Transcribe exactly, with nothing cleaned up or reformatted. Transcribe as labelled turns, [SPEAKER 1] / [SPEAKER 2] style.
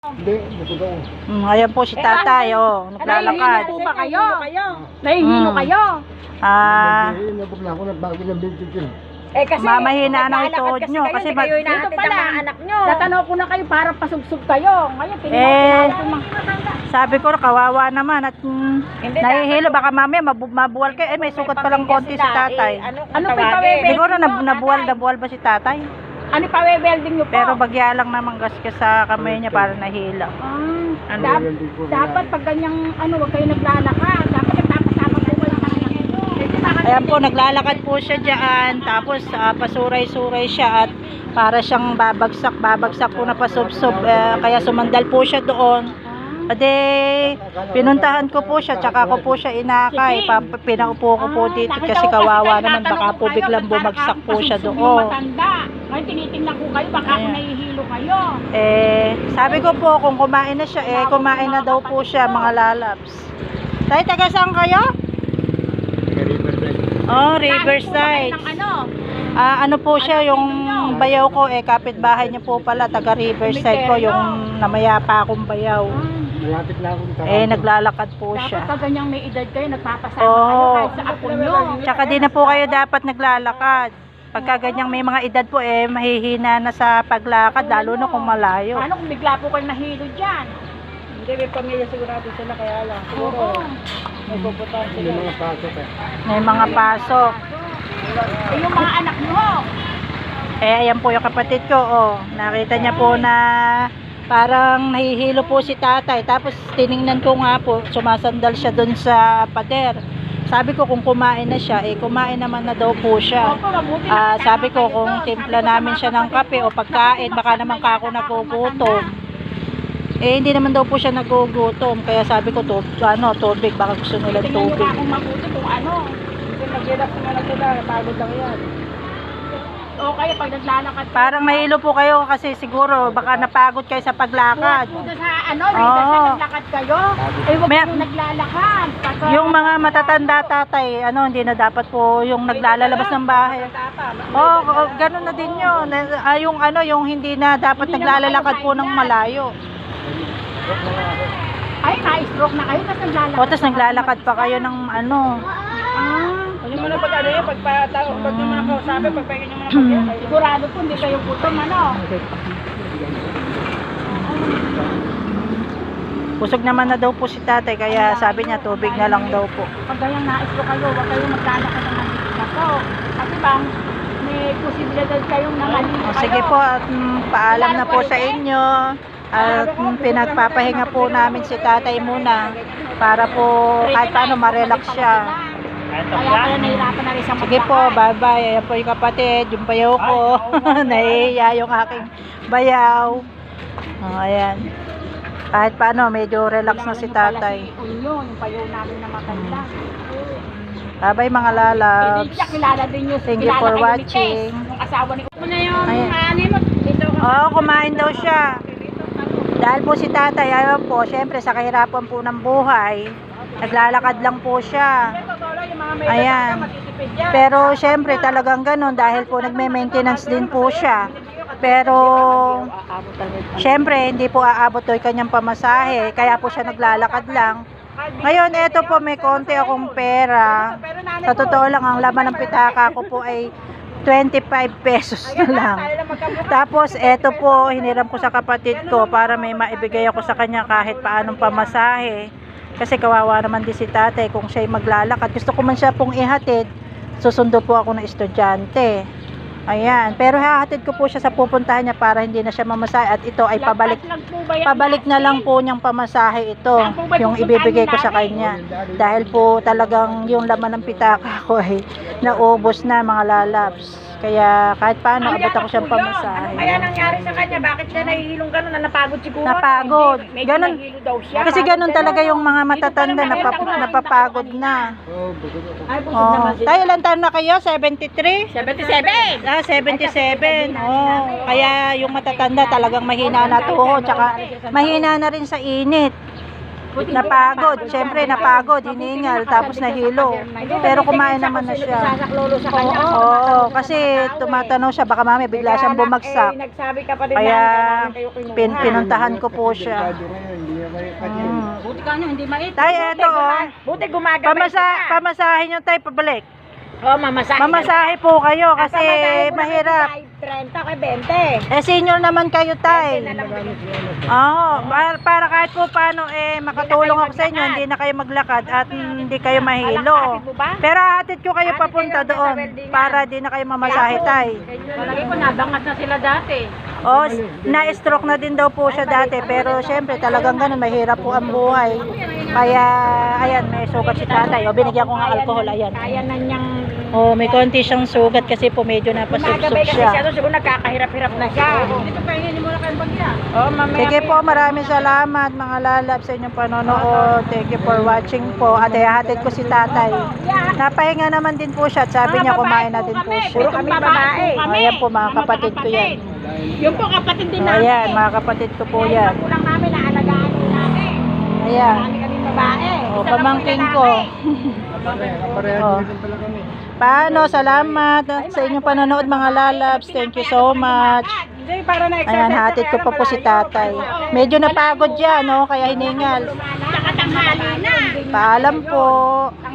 [SPEAKER 1] Hindi, napunta ko.
[SPEAKER 2] Mm, ayan po si tatay, oh, naglalakad.
[SPEAKER 3] Nahihilo po ba kayo? Nahihilo
[SPEAKER 2] Mm.
[SPEAKER 3] kayo?
[SPEAKER 2] Ah,
[SPEAKER 1] Nabuk na ako, nagbago ng binti ko.
[SPEAKER 3] Eh kasi,
[SPEAKER 2] mamahina na
[SPEAKER 3] naglalakad
[SPEAKER 2] ituod
[SPEAKER 3] kasi
[SPEAKER 2] nyo,
[SPEAKER 3] kayo,
[SPEAKER 2] kasi
[SPEAKER 3] hindi
[SPEAKER 2] mag-
[SPEAKER 3] kayo inahatid
[SPEAKER 4] Dito pala,
[SPEAKER 3] ang mga
[SPEAKER 4] anak nyo.
[SPEAKER 3] Natanaw ko na kayo para pasugsug kayo. Ngayon,
[SPEAKER 2] Eh,
[SPEAKER 3] tinawag ko mga
[SPEAKER 2] sabi ko, kawawa naman at mm,
[SPEAKER 4] Hindi,
[SPEAKER 2] nahihilo, baka mamaya mabu mabuwal kayo. Eh, may sugat pa lang konti si tatay.
[SPEAKER 4] Ano,
[SPEAKER 3] Ano
[SPEAKER 4] ano
[SPEAKER 3] pa yung
[SPEAKER 4] tawagin?
[SPEAKER 3] pawebe?
[SPEAKER 2] Siguro na nabuwal, nabuwal ba si tatay?
[SPEAKER 3] Ano pa welding nyo po?
[SPEAKER 2] Pero bagya lang naman gasgas sa kamay niya para nahila.
[SPEAKER 3] Ah,
[SPEAKER 2] Ano
[SPEAKER 3] dap-
[SPEAKER 1] Hindi ko
[SPEAKER 3] dapat pag ganyang ano, wag kayo naglalakad. Dapat nagpapasama po kayo ng anak nyo. Kasi baka
[SPEAKER 2] Ayan po, naglalakad po siya dyan. Tapos ah, pasuray-suray siya at para siyang babagsak, babagsak po na pasubsob. Eh, kaya sumandal po siya doon. Ade, pinuntahan ko po siya, tsaka ko po siya inakay. Pa, pinaupo ko po dito kasi kawawa naman, baka po biglang bumagsak po siya doon.
[SPEAKER 3] Matanda. Ngayon tinitingnan ko kayo, baka ako
[SPEAKER 2] Ayan.
[SPEAKER 3] nahihilo kayo.
[SPEAKER 2] Eh, sabi ko po, kung kumain na siya, eh, kumain na daw po siya, mga lalabs. Tay, taga saan kayo? Oh, Riverside.
[SPEAKER 3] Ng ano?
[SPEAKER 2] Ah, ano po siya, yung bayaw ko, eh, kapitbahay niya po pala, taga Riverside ko, yung namayapa akong bayaw.
[SPEAKER 1] Malapit na ako.
[SPEAKER 2] Eh, naglalakad po
[SPEAKER 3] Dapat
[SPEAKER 2] siya.
[SPEAKER 3] pag ganyang may edad kayo, nagpapasama
[SPEAKER 2] Oo.
[SPEAKER 3] kayo kahit sa apo nyo.
[SPEAKER 2] Tsaka di na po kayo dapat naglalakad. Pagka ganyang may mga edad po, eh, mahihina na sa paglakad, lalo na kung malayo.
[SPEAKER 3] Paano kung bigla po kayo nahilo dyan?
[SPEAKER 4] Hindi, may pamilya sigurado sila, kaya lang. Siguro,
[SPEAKER 3] Oo.
[SPEAKER 4] may pupuntahan
[SPEAKER 1] Hindi
[SPEAKER 4] sila.
[SPEAKER 1] mga pasok eh.
[SPEAKER 2] May mga pasok.
[SPEAKER 3] Eh, yung mga anak nyo,
[SPEAKER 2] Eh, ayan po yung kapatid ko, oh. Nakita niya po na parang nahihilo po si tatay. Tapos tiningnan ko nga po, sumasandal siya dun sa pader. Sabi ko kung kumain na siya, eh kumain naman na daw po siya.
[SPEAKER 3] opo, mabuti
[SPEAKER 2] Ah,
[SPEAKER 3] nakasama
[SPEAKER 2] sabi ko
[SPEAKER 3] kayo
[SPEAKER 2] kung
[SPEAKER 3] doon.
[SPEAKER 2] timpla
[SPEAKER 3] Sabi ko sa
[SPEAKER 2] namin
[SPEAKER 3] mga
[SPEAKER 2] siya ng
[SPEAKER 3] kapatid
[SPEAKER 2] kape
[SPEAKER 3] ko,
[SPEAKER 2] o pagkain, baka naman kako nagugutom. Eh, hindi naman daw po siya nagugutom. Kaya sabi ko, to, ano, tubig, baka gusto nilang
[SPEAKER 3] Tingnan nyo
[SPEAKER 2] tubig.
[SPEAKER 3] nga kung mabuti kung ano.
[SPEAKER 4] Hindi, mag-relax na lang sila. Pagod lang yan.
[SPEAKER 3] O kaya pag naglalakad kayo,
[SPEAKER 2] Parang nahilo po kayo kasi siguro baka napagod kayo sa paglakad.
[SPEAKER 3] buhat po doon sa ano,
[SPEAKER 2] Oo.
[SPEAKER 3] Riverside, naglakad kayo. Eh, huwag
[SPEAKER 2] May-
[SPEAKER 3] kayong naglalakad. Pagka-
[SPEAKER 2] Yung mga matatanda tatay, ano, hindi na dapat po yung naglalabas ng bahay. Oh, oh, ganun na din yun. Ah, yung ano, yung hindi na dapat
[SPEAKER 3] Hindi na
[SPEAKER 2] naglalalakad po ng malayo.
[SPEAKER 3] Ay, na-stroke na kayo, tapos naglalakad.
[SPEAKER 2] O, tapos naglalakad pa kayo ng ano.
[SPEAKER 3] Ah,
[SPEAKER 4] Huwag nyo muna pag ano yun, pagpatao, pag nyo muna kausapin, pagpahinga nyo muna pag
[SPEAKER 3] sigurado po hindi kayo gutom, ano?
[SPEAKER 2] Busog naman na daw po si tatay, kaya sabi niya tubig na lang daw po.
[SPEAKER 3] Pag ganyang na-stroke kayo, huwag kayong maglalakad ng nandito na po. Kasi bang may posibilidad kayong nangalito
[SPEAKER 2] O,
[SPEAKER 3] kayo.
[SPEAKER 2] sige po, at mm, paalam na po sa inyo. At mm, pinagpapahinga po namin si tatay muna para po kahit paano ma-relax siya.
[SPEAKER 3] Kaya pala nahirapan na rin sa
[SPEAKER 2] Sige po, bye-bye. Ayan po yung kapatid, yung bayaw ko. Nahihiya yung aking bayaw. Oh, ayan. Kahit paano, medyo relax na si tatay.
[SPEAKER 3] Unyo, yung payo namin na matanda.
[SPEAKER 2] Bye-bye mga
[SPEAKER 3] Hindi
[SPEAKER 2] lalabs.
[SPEAKER 3] siya kilala din nyo.
[SPEAKER 2] Thank you
[SPEAKER 3] kilala
[SPEAKER 2] for
[SPEAKER 3] kayo ni
[SPEAKER 2] watching.
[SPEAKER 3] Tess, yung asawa ni Upo na yun.
[SPEAKER 2] Ayan.
[SPEAKER 3] Ano mo? Dito ka.
[SPEAKER 2] Oo, kumain daw siya. Dahil po si tatay, ayaw po, syempre sa kahirapan po ng buhay, naglalakad lang po siya. Ayan. Pero syempre talagang ganun dahil po nagme-maintenance din po siya. Pero syempre hindi po aabot daw yung kanyang pamasahe, kaya po siya naglalakad lang. Ngayon, eto po may konti akong pera. Sa totoo lang, ang laman ng pitaka ko po ay twenty-five pesos na lang. Tapos, eto po, hiniram ko sa kapatid ko para may maibigay ako sa kanya kahit paanong pamasahe. Kasi kawawa naman din si tatay kung siya'y maglalakad. Gusto ko man siya pong ihatid, susundo po ako ng estudyante. Ayan, pero hahatid ko po siya sa pupuntahan niya para hindi na siya mamasahe at ito ay pabalik pabalik na lang po niyang pamasahe ito yung ibibigay ko sa kanya dahil po talagang yung laman ng pitaka ko ay naubos na mga lalabs. Kaya kahit paano abot ako siyang pamasahe.
[SPEAKER 4] Kaya nangyari sa kanya, bakit siya nahihilong gano'n? Na napagod siguro.
[SPEAKER 2] Napagod.
[SPEAKER 4] Hindi, medyo
[SPEAKER 2] Ganun.
[SPEAKER 4] nahihilo daw siya.
[SPEAKER 2] Kasi ganun talaga yung mga matatanda, napap napapagod na.
[SPEAKER 1] Oh, busog ako.
[SPEAKER 4] Ay, busog
[SPEAKER 2] Oh,
[SPEAKER 4] naman sila.
[SPEAKER 2] tayo ilang taon na kayo? seventy-three?
[SPEAKER 4] seventy-seven!
[SPEAKER 2] Ah, seventy-seven. Oh, kaya yung matatanda talagang mahina na tuhod, tsaka mahina na rin sa init. napagod. Siyempre, napagod, hiningal, tapos nahilo. Pero kumain naman na siya.
[SPEAKER 3] Sasaklolo sa kanya.
[SPEAKER 2] Oo, kasi tumatanong siya, baka mami bigla siyang bumagsak.
[SPEAKER 3] Eh, nagsabi ka pa rin
[SPEAKER 2] Kaya
[SPEAKER 3] namin kayo kinuha.
[SPEAKER 2] pin pinuntahan ko po siya.
[SPEAKER 1] Delikado ngayon, hindi na may kanya.
[SPEAKER 2] Mm.
[SPEAKER 3] Buti ka nyo, hindi mait.
[SPEAKER 2] Tay, eto oh.
[SPEAKER 3] Buti gumagabay
[SPEAKER 2] Pamasa
[SPEAKER 3] sila.
[SPEAKER 2] pamasahin yung tay pabalik.
[SPEAKER 3] Oh, mamasahe.
[SPEAKER 2] Mamasahe po kayo kasi
[SPEAKER 3] Pamasahe ko na
[SPEAKER 2] mahirap.
[SPEAKER 3] thirty kay twenty.
[SPEAKER 2] Eh senior naman kayo tay.
[SPEAKER 1] Maraming salamat.
[SPEAKER 2] Oo, para, para kahit po paano eh makatulong ako sa inyo, hindi na kayo maglakad at hindi kayo mahilo. Pero hatid ko kayo papunta doon para di na kayo mamasahe tay.
[SPEAKER 3] Palagi ko nabangat na sila dati.
[SPEAKER 2] Oh, na-stroke na din daw po siya dati pero syempre talagang ganun, mahirap po ang buhay. Kaya ayan, may sugat si tatay. O binigyan ko nga alcohol, ayan.
[SPEAKER 3] Kaya na niyang
[SPEAKER 2] Oh, may konti siyang sugat kasi po medyo napasubsob
[SPEAKER 3] gumagabay kasi
[SPEAKER 2] siya.
[SPEAKER 3] siya. Siguro nagkakahirap-hirap na siya. Dito pa hingin mo na kayong bagya. Oh, mamaya.
[SPEAKER 2] Sige po, maraming salamat mga lalab sa inyong panonood. Thank you for watching po. At ihahatid ko si tatay. Napahinga naman din po siya at sabi niya kumain na din po siya.
[SPEAKER 3] Puro kami babae.
[SPEAKER 2] Ayan po mga kapatid ko yan.
[SPEAKER 3] Yung po kapatid din
[SPEAKER 2] Oh,
[SPEAKER 3] namin.
[SPEAKER 2] ayan, mga kapatid ko po yan.
[SPEAKER 3] Yung magulang namin, naalagaan din namin.
[SPEAKER 2] Ayan.
[SPEAKER 3] Kami kami babae.
[SPEAKER 2] Oh,
[SPEAKER 3] Isa lang
[SPEAKER 2] pamangkin
[SPEAKER 3] po
[SPEAKER 2] ko.
[SPEAKER 1] Kapareha, kapareha
[SPEAKER 2] Oh.
[SPEAKER 1] din pala kami.
[SPEAKER 2] Paano? Salamat sa inyong panonood mga lalabs. Thank you so much.
[SPEAKER 3] Hindi, para na
[SPEAKER 2] Ayan, hatid ko pa po si tatay. Medyo napagod yan, no? Kaya hiningal.
[SPEAKER 3] Tsaka tanghali na.
[SPEAKER 2] Paalam po.